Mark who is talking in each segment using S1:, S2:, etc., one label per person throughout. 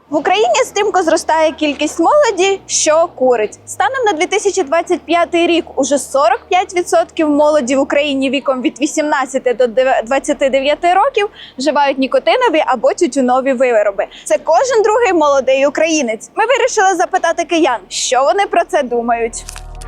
S1: В Україні стрімко зростає кількість молоді, що курить. Станом на 2025 рік уже 45% молоді в Україні віком від 18 до 29 років вживають нікотинові або тютюнові вироби. Це кожен другий молодий українець. Ми вирішили запитати киян, що вони про це думають.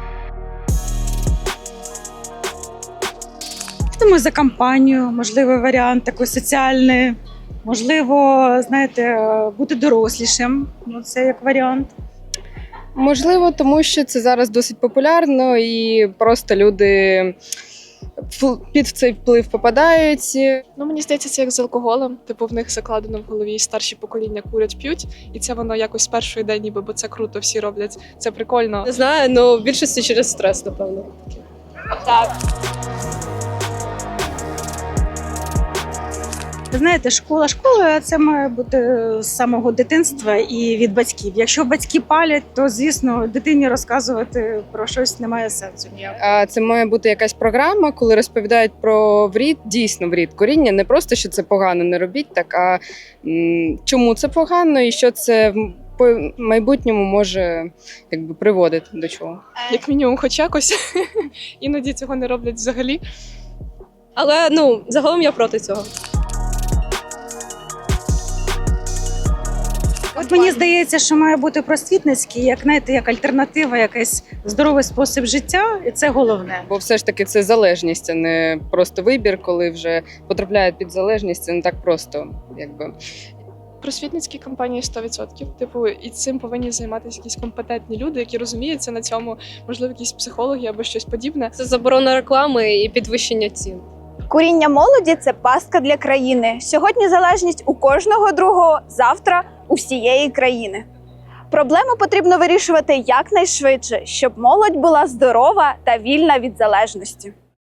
S2: Думаю, за кампанію, можливо, варіант такий соціальний. Можливо, знаєте, бути дорослішим. Ну, це як варіант.
S3: Можливо, тому що це зараз досить популярно і просто люди під цей вплив попадають.
S4: Ну, мені здається, це як з алкоголем. Типу, в них закладено в голові старші покоління курять, п'ють, і це воно якось з першої день, ніби, бо це круто, всі роблять. Це прикольно.
S5: Не знаю, але в більшості через стрес, напевно.
S1: Так.
S2: Ви знаєте, школа школою, а це має бути з самого дитинства і від батьків. Якщо батьки палять, то, звісно, дитині розказувати про щось немає сенсу ніякого.
S3: А це має бути якась програма, коли розповідають про вред, дійсно вред куріння. Не просто, що це погано, не робіть так, а чому це погано і що це в майбутньому може приводити до чого.
S4: Як мінімум, хоч якось. Іноді цього не роблять взагалі.
S5: Але, загалом я проти цього.
S2: От мені здається, що має бути просвітницький, як, знаєте, як альтернатива, якийсь здоровий спосіб життя, і це головне.
S3: Бо все ж таки це залежність, а не просто вибір, коли вже потрапляють під залежність, це не так просто, якби.
S4: Просвітницькі кампанії 100%. Типу, і цим повинні займатися якісь компетентні люди, які розуміються на цьому, можливо, якісь психологи або щось подібне.
S5: Це заборона реклами і підвищення цін.
S1: Куріння молоді – це пастка для країни. Сьогодні залежність у кожного другого, завтра у всієї країни. Проблему потрібно вирішувати якнайшвидше, щоб молодь була здорова та вільна від залежності.